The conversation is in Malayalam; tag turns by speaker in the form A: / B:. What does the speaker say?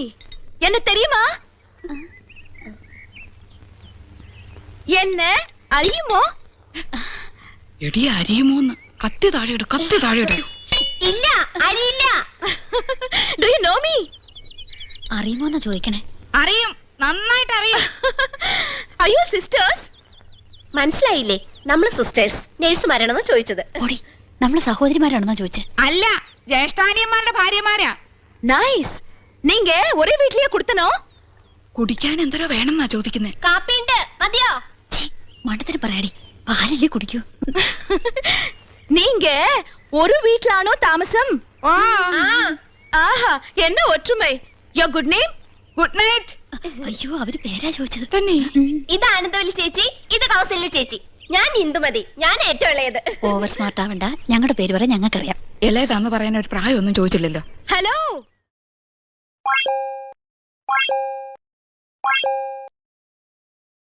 A: என்ன தெரியுமா? என்ன അറിയുമോ?
B: എടി അരിയുമോന്ന്. കത്തി താഴെയിട്, കത്തി താഴെയിട്.
A: ഇല്ല, അറിയില്ല. Do you know me?
C: അറിയുമോന്നാ ചോദിക്കണേ.
B: അറിയും, നന്നായിട്ട് അറിയും.
A: Are you sisters? മനസ്സിലായില്ലേ? നമ്മള് സിസ്റ്റേഴ്സ്, നേഴ്സുമാരാണെന്ന് ചോദിച്ചത്.
C: ഓടി, നമ്മള് സഹോദരിമാരാണെന്നാ ചോദിച്ചേ.
B: അല്ല, ജ്യേഷ്ഠാനിയന്മാരുടെ ഭാര്യമാരാ.
A: നൈസ്. നീങ്ക ഒരേ വീട്ടിലേ കുടുത്തനോ?
B: കുടിക്കാൻ എന്തോരോ വേണമെന്നാ ചോദിക്കുന്നേ.
A: കാപ്പിണ്ട്, മതിയോ?
C: മണ്ടത്തിന് പറയാടി, പാലല്ലേ കുടിക്കൂ.
A: நீங்க ஒரு வீட்லானோ தாமசம்? ஆஹா, என்ன ஒற்றுமை. Your good name?
B: Good night.
C: അയ്യോ, അവര് പേരാ ചോദിച്ചത്.
B: തന്നെ.
A: ഇത് ആനന്ദവല്ലി ചേച്ചി, ഇത് കൗസല്യ ചേച്ചി. ഞാൻ ഇന്ദുമതി, ഞാൻ ഏറ്റവും ഇളയത്.
C: ഓവർ സ്മാർട്ട് ആവണ്ട, ഞങ്ങളുടെ പേര് പറയാൻ ഞങ്ങൾക്കറിയാം.
B: ഇളയതാന്ന് പറയാൻ ഒരു പ്രായമൊന്നും ചോദിച്ചില്ലല്ലോ.
A: ഹലോ.